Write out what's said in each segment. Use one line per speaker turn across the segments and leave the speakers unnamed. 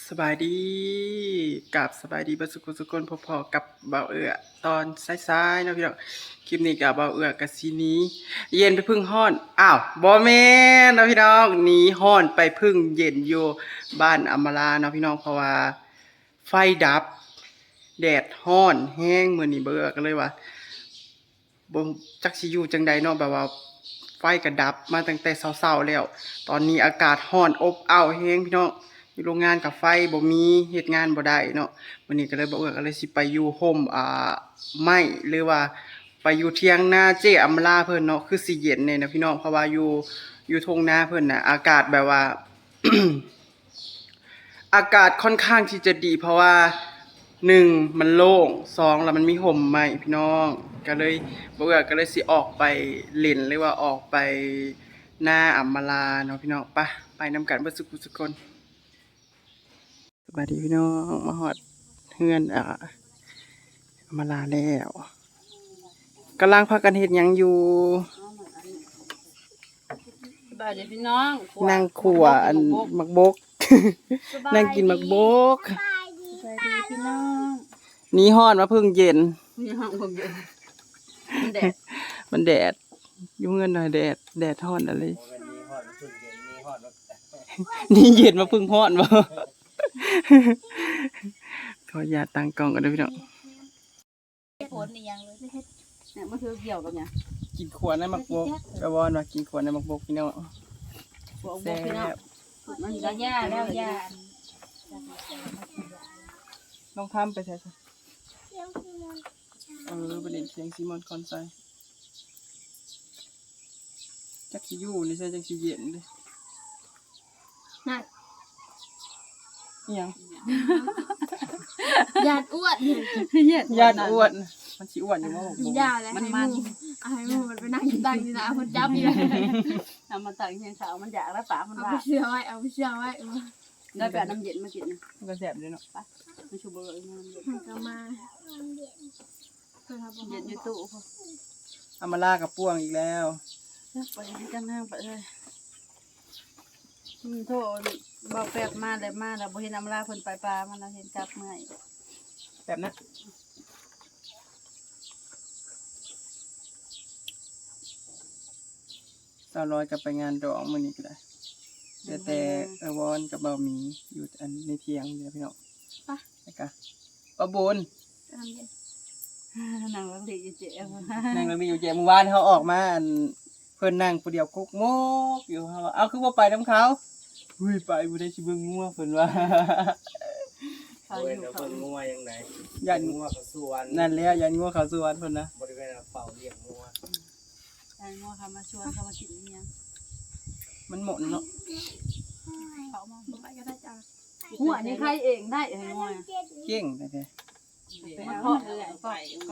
สบายดีกับสบายดีบัดสุกลพอๆกับเบาเอื้อตอนซ้ายๆเนาะพี่น้องคลิปนี้กับเบาเอื้อกับซีนี้เย็นไปพึ่งฮ้อนอ้าวบ่แม่นเนาะพี่น้องหนีฮ้อนไปพึ่งเย็นอยู่บ้านอำมาลาเนาะพี่น้องเพราะว่าไฟดับแดดฮ้อนแห้งมื้อนี้เบาเอื้อก็เลยว่าบ่จักสิอยู่จังใดเนาะแบบว่าไฟก็ดับมาตั้งแต่เช้าๆแล้วตอนนี้อากาศร้อนอบอ้าวแห้งพี่น้อง อยู่โรงงานกับไฟบ่มีเฮ็ดงานบ่ได้เนาะวันนี้ก็เลยบ่เอื้อก็เลยสิไปอยู่โฮมไม้หรือว่าไปอยู่เถียงนาเจ้อำลาเพิ่นเนาะคือสิเย็นแน่นะพี่น้องเพราะว่าอยู่ทุ่งนาเพิ่นน่ะอากาศแบบว่า อากาศค่อนข้างที่จะดีเพราะว่า1มันโล่ง2แล้วมันมีห่มไม้พี่น้องก็เลยบ่เอื้อก็เลยสิออกไปเล่นหรือว่าออกไปนาอำมาลาเนาะพี่น้องไปนำกันเบิดสุกคน สวัสดีพี่น้องมาฮอดเฮือนมาลาแล้วกำลังพากันเฮ็ดหยังอยู่
สบายดีพี่น้อง
นั่งขัวอันมักบก นั่งกินมักบก
สบายดีพี่น้อง
หนีฮ้อนมาเพิ่งเย็น
มีห้องผมอยู่มันแดด
มันแดดอยู่เงินหน่อยแดดฮ้อนอะไร นี่เย็นมาเพิ่งฮ้อนบ่ ขออย่าตั้งกล้องกันเด้อพี่น้อง
ผลนี่ยังเลยเนี่ยมันคือเกี่ยวกับเนี่ย
กินขวดในมักบกกระวอนว่ากินขวดในมักบกพี่น้อง
หัวบ
แซ่
กพี่น้อง
บ
มันก็ย่าแล้วย่า
ลองทำไปใช่ซะประเด็นเสียงซีมอนคอนไซจักสิอยู่นี่ใช่จักสิเย็นเด้
น่ะ
อิหยัง
ญาติอ้วน
ญาติอ้วนมันสิอ้วนอยู่บ่
กินยาแล้วให้มูมันไปนั่งกินตังนี่นะคนจับนี่เลย
ทำมาตักเชียงขาวมันอยากแล้วป่ามัน
เอา
ว่า
ไปเชื่อไว้เอาไปเชื่อไว้
ได้แบบน้ำเย็นมากินนะ
มันก็แซ่บเด้เนาะ
มันชูเบอร์น้ำเย็น
ก็มาเพื่อทำ
เย็นอยู่ตู้
เอามาลากับป่วงอีกแล้ว
ไปจังห้างไปเลยโทษเบาแป๊บมาเลยมาแล้วบ่เห็นน้ำลาเพิ่นไปปลามันเราเห็นจับเมื่อย
แบบนั้น200กับไปงานดองมื้อนี้ก็ได้เดี๋ยวแต่วอนกับเบาหมีอยู่อันในเถียงเด้อพี่น้องไปกะป้าบุญ
นางรักดีเจ๊
นั่งแล้วมีอยู่แจเมื่อวานเขาออกมาอันเพิ่นนั่งผู้เดียวกุกโมกอยู่เฮาว่าเอาคือบ่ไปนํเขาอุ้ยไปบ่ได้สิเบิ่งงัวเพิ่นว่า
เขา
เว้
อน ยู่
แล้ว
เขา
เพิ่นงัวยังไง
ยัน
งัวกับสวน
นั่นแหละยันงัวเขาสวนเพิ่นนะ
บริเวณเฝ้าเลี้ยงงัว
ใช่งัวเขามาชวนเขามากินเนี่ย
มันหมดเนาะ
เขามา
ไปก็ได้จ้า
หัวนี่ใครเองได้ไอ้งัว
เก่งแท้
มันเพาะเลยเพาะก็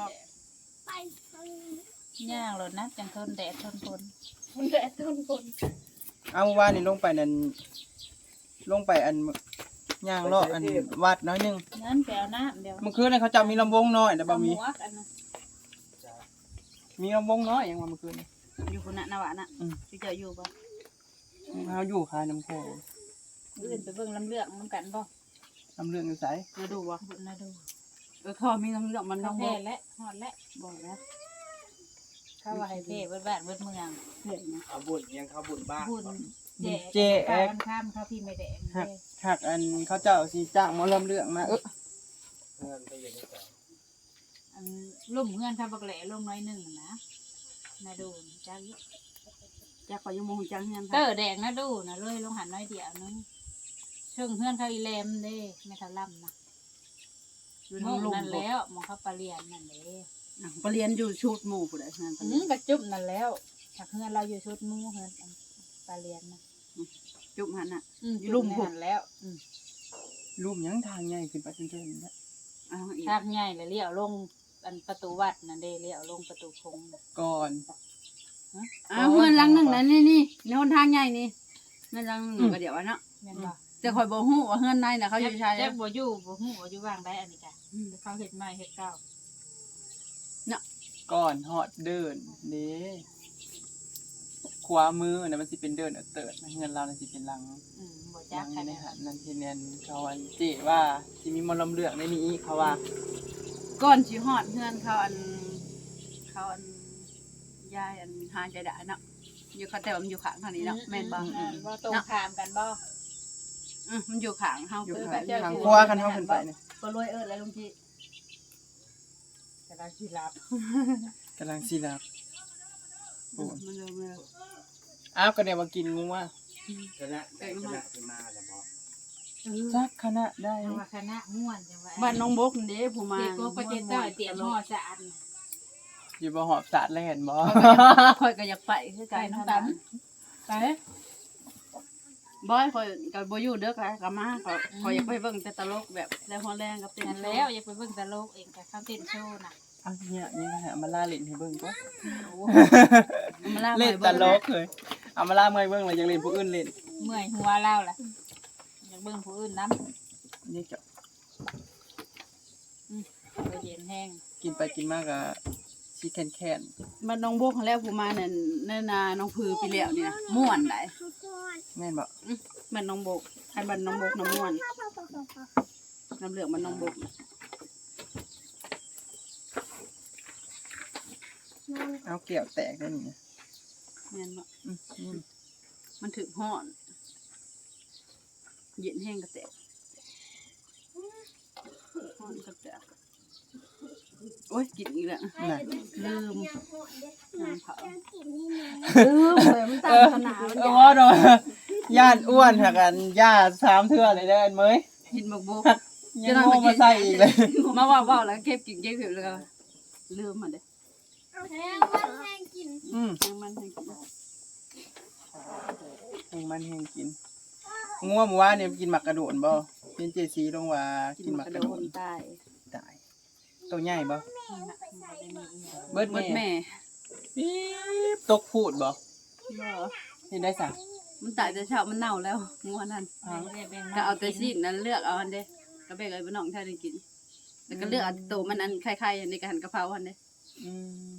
ย่างรถนะจังทนแดดทนฝน
มันแดดต้นคน
ๆเอาเมื่อวานนี่ลงไปนั่นลงไปอันย่างเลาะอันวัดน้อยหนึง
นั่นแปลวน้ำเดี๋ยว
เมื่อคืนน่ะเขาเจ้ามีลำวงน้อยแต่บ่มี
หวกอันนั้น
มีลำวงน้อยอย่างว่าเมื่อคืนนี่
อยู่คนน่ะนวะน่ะที่เจออยู่บ่
เฮาอยู่คายน้ำโขง
อื่นไปเบิ่งลำเลือกน้ำกันบ่
ลำเรื่องอยู่ไส
มาดูบ่
บุญนะดู
เขามีน้ำเลือดมัน
เขา
ต้อง
แพ้
บอก
และฮอดและ
บอกแล้ว
เข้าว่าให้เพ่เบิดบ้านเบิดเมือง
เห็นนะ
เอาบุญยังเขาบุญบ้าน
บุญ
เจ๊
แจกข้ามเขาพี่ไม่แดง
หักอันเขาเจ้าสิจ้างหมอลำเรื่องมา
เพื่อนไปอยู่ในแถว
อันลุ่มเงื่อนข้าบักแหล่ลงน้อยหนึ่งนะนะดูจ้า
จากไปยังมองจังเงิน
เตอแดงนะดูนะเลยลงหันน้อยเดียวนึงเชิงเฮือนเขาอีแลมเด้ไม่ทะล่ำนะ
อยู่
ม
ทาง
ง
ลุง
นั่น
บอก
แล้วมองเขาปลาเรียนนั่นเลย
ไปเรียนอยู่ชุดหมู่ผู้ใดงาน
กระจุบนั่นแล้วถักเฮือนเราอยู่ชุดมู่เฮือนปลาเรียนนะ
จุ่มหันน่ะ
อยู่ลุ่มหันแล้ว
รูปหยังทางใหญ่ขึ้นไปจนเกินนะ
เอาอีก
ทางใหญ่เลยเลี้ยวลงอันประตูวัดนั่นเด้เลี้ยวลงประตูคง
ก่อน
เอาเงินลังหนึ่งนะนี่ในหนทางใหญ่นี่เงินลังหนึ่งก็เดี๋ยวนะ
แม่นบ่
แต่คอยบอกฮู้ว่าเงินในน่ะเขาอยู่ชาย
แจ๊กบ่อยู่บ่ฮู้ว่าอยู่ว่างได้อันนี้จ้ะเขาเฮ็ดใหม่เฮ็ดเก่า
ก่อนฮอดเดินเด้โความือน่ะมันสิเป็นเดินเติร์ดเงินเราน่ะสิเป็นหลัง
บ่
ห
จั
ลั
ก
ง
ค่ะ
นี่
เนี่ย
นะฮะนั่นที่เนียนเขาอันเจว่าสิมีมนต์ลำเลือกในนี้เขาว่า
ก่อนสิฮอดเฮือนเขาอันยายอันหาใจได้เนาะอยู่เขาแต่ว่ามันอยู่ข้างทางนี้เนาะแม่นบ่
บ่ตรงข้ามกันบ่
มันอยู่ข้างเฮา
อยู่
คือ
ข้าง
แบบ
ทางครัวคันเฮาขึ้นไปเนี่ย
ก็รวยแล้วลุงจิ
แต่เราสิรับ
กำลังสิรับโอ้
มันเริ่มแล้ว
อ้าวก็ได้มากินงูว่า
คณะที่มาแล้วบอก
จักคณะได้
จังว่าคณะม่วนจังว่า
บ้านน้องบกนี่เด้ผู้มา
เด็กก็ประเทศเจ้าเตรียมห่อสะอัน
อยู่บ่หอบสาดแล้วเห็นบ่
ข่อยก็อยากไปคือ
ไป
กัน
น้ำกันไป
บ่ข่อยก็บ่อยู่เด้อค่ะก็มาข่อยอยากไปเบิ่งแต่ตลกแบบแล้วฮอแรงกับเต้น
นั่น
โช
แล้ว
ว์
อย่าไปเบิ่งตลกเองกับเขาเต้นโชว์น่ะ
เอาเนี่ยนี่นะฮะมาล่าเล่นให้เบิ่งก็
มาลาก
เล่น
ข่อย
ต
เบิ่ง
ลกเลยเอามาล่าเมื่อยเบิ่งแล้วยังเล่นผู้อื่นเล่น
เมื่อยหัวเล่าล่ะอยากเบิ่งผู้อื่นนำ
นี่จะ
บ่เย็นแห้ง
กินไปกินมากก็สิแค้น
บ้านน้องบกแล้วผู้มานั่นนาน้องพือไปแล้วนี่นะม่วนได้
ๆแม่นบ่
บ้านน้องบกให้บ้านน้องบกน้ำม่วนน้ำเหลืองบ้านน้องบก
เอาแก้วแตกได้นี่
แม่นบ่
อืม
มันถึกฮ้อนเย็นแห้งก็แตกฮ้อนก็แตกโอ้ยกินอีกแล้ว
น่ะ
ลืมน้ำเผาลืมเลยมันตามขนาดมัน
เอ
อยา
ว่าโดนย่านอ้วนหักกันย่า3เทื่อเลยเด้ออันเมย
กินบกบก
ยังโง่มาใส่อีกเลย
มาว่าแล้วเก็บกินเก็บผิวเลยลืมมันเด้
แห้งมันแห้งกิน
ยังมันให้กิน
แหงมันแหงกินงัวหมู่ว่าเนี่ยกินหมักกระโดนบ่เป็นเจซีลงว่า
กิ
กิ
น
นห
มั
มั
ก
ก
ก
ก
ระ
ระ
โด
โดน
นตาย
ตายตัวใหญ่บ่
เบิด
แม่
แม่
ปี๊บตกพูดบ่
บ่
เห็นได้ซะ
มันตายแต่เช้ามันเน่าแล้วงัวนั่นก็เอาแต่ซีนนั้นเลือกเอาอันเด้ก็เบกเลยบ่น้องแท้ได้กินแล้วก็เลือกเอาตัวมันอันคล้ายๆในกระหันกะเพราอันเด้
อืม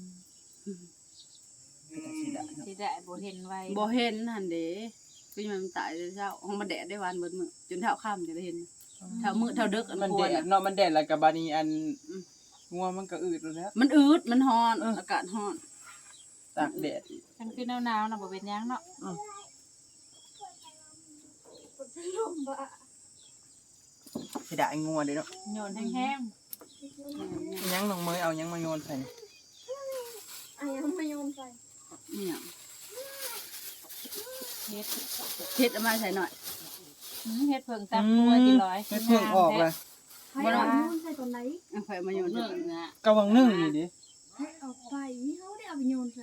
เป็นจังซี่ล่ะเนาะ
สิได้บ่เห็นไว้
บ่เห็นหั่นเด้คือมันตายแต่เช้าห้องมันแดดได้วันเบิดมื้อจนเท่าค่ำจะได้เห็นเท่ามื้อเท่าดึกอัน
มัน
ค
แด
วร
ด
น่ะ
เนาะมันแดดแล้วก็บาดนี้อันงัวมันก็อืดแล้ว
มันอืดมันร้อนอากาศร้อน
ตากแดดอีก
คันคือหนาวๆน่ะบ่เป็นหยังเนาะ
สิได้งัวเด้เนาะ
โยนแห้ง
ยังน้องเมยเอายังมาโยนใส่นี่
อ่ะยังไม่ยอมใส่
นี่หยัง
ๆเฮ็ด
เฮ็ดเอามาใส่หน่อย
เฮ็ดเพิ่งตับกล้วยที่ร้อย
เฮ็ดเพิ่งออกเลย
ให้เอายอมใส่ตอนไหน
เอาไฟมาโยน
เรื่องนะ
กะวังนึ่งนี่ดิ
ให้เอาไปนี่เขาได้เอาไปโยนใส่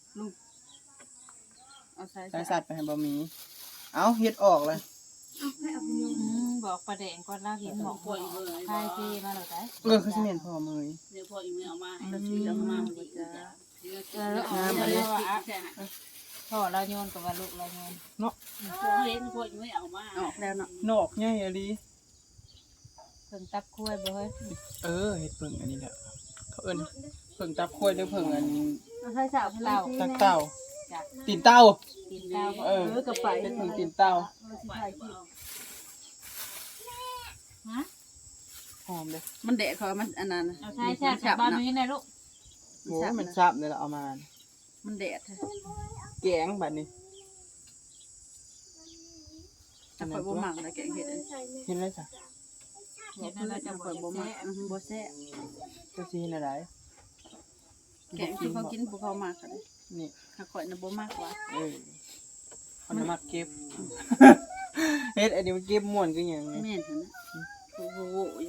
เอาใส่
ใส่สัตว์ไปให้บ่มีเอาเฮ็ดออกเลย
เอาให้เอาไปโยน
บอกประแดงก่อนลาเห็นหมอกกล้วยพายที่มาแล้วได้
คือสิแม่นพ่อเมย
เดี๋ยวพออีเมลเอามาให้เราซื้อเอามามันก็จะ
แล้วเอาแล้วว่าพ่อเราโยนกับว่าลูกเราโยน
เล่นพออีเมลเอามาออกแล้วเนาะ
นอกใหญ่อะลี
เพิ่งตับกล้วยบ่เฮ้ย
เฮ็ดเพิ่งอันนี้แหละเขาเอิ้นเพิ่งตับข้วยหรือเพิ่งอัน
เอาใส่สาวเล่า
ตักเต้าตีนเต้า
กินข้าว
กระไป
เป็นเพิ่งตีนเต้า
ฮะ
หอมเลย
มันแดดเขามันอันนั้น
เอาใช่ใช่จากบ้านนี้นะลูก
โหมันซับเลยล่ะเอามา
มันแดด
แกงบัดนี้
ถ้าข่อยบ่มักนะแกงเห็ด
ใส่เนี่ย
เห็นเลยจ้ะ
เห็นอะไรจะ
ข่อยบ่มักบ่แซ่บ
จะสิเห็นอะไร
แกงที่เขากินพวกเขามากกัน
นี่
ถ้าข่อยน่ะบ่มักว่า
เอาน้ำมักเก็บ เฮ็ดอันนี้มันเก็บม่วนคือหยังไง
แม่นหั่นนะโอ้โห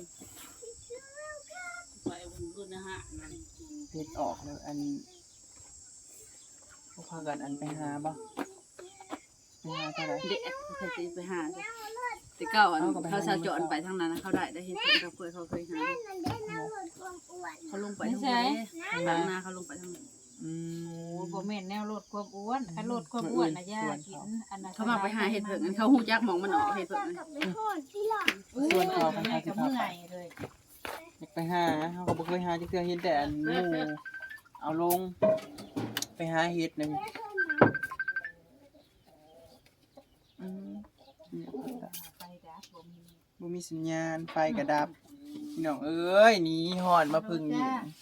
ไปบุญกุนะฮะ
เฮ็ดออกแล้วอันพวกพากันอันไปหาบ่ไปหาเท่าไหร่
เด็ดเขาสิไปหาจ้ะแต่เก่าอันเขาสะจอนไปทางนั้นเขาได้เฮ็ดเพิ่นกับเพื่อนเขาเคยหาเขาลงไปทางนั้นนาเขาลงไปทางนั้น
อื
โอ้
ม
บ่แม่นแนวลดความอ้วนคันลดความอ้วนน่ะย่ากินอันนั้น
เขามาไปหาเห็ดเพิ่งเขาฮู้จักหมองมันออกเห็ดเพิ่ง
กลับไปทอดที่หลัง
ส่วนเขากัน
ให้
หาสิ
กับ
พา
เมื่
ไป
อยเลย
อยากไปหาเขาก็บ่เคยหาจักเทื่อเห็นแต่อันหมู่เอาลงไปหาเฮ็ดนึง
ไปดับบ่มี
บ่มีสัญญาณไฟกระดับพี่น้องเอ้ยหนีหอนมาพึ่งอยู่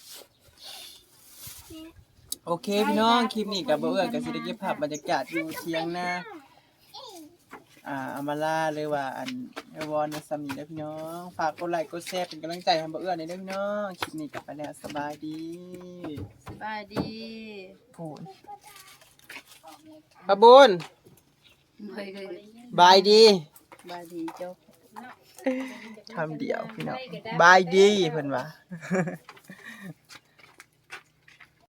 โอเคพี่น้องคลิปนี้กับบ่เอื้อก็สิได้เก็บภาพบรรยากาศอยู่เที่ยงนาอำมาลาหรือว่าอันเอวอนซัมนี่เด้อพี่น้องฝากกดไลค์กดแชร์เป็นกำลังใจให้บ่เอื้อหน่อยเด้อพี่น้องคลิปนี้กลับไปแล้วสบายดี
สบายดี
พูนปะบุญ
เคย
บายดี
สบายดีเจ้า
คำเดียวพี่น้องบายดีเพิ่นว่า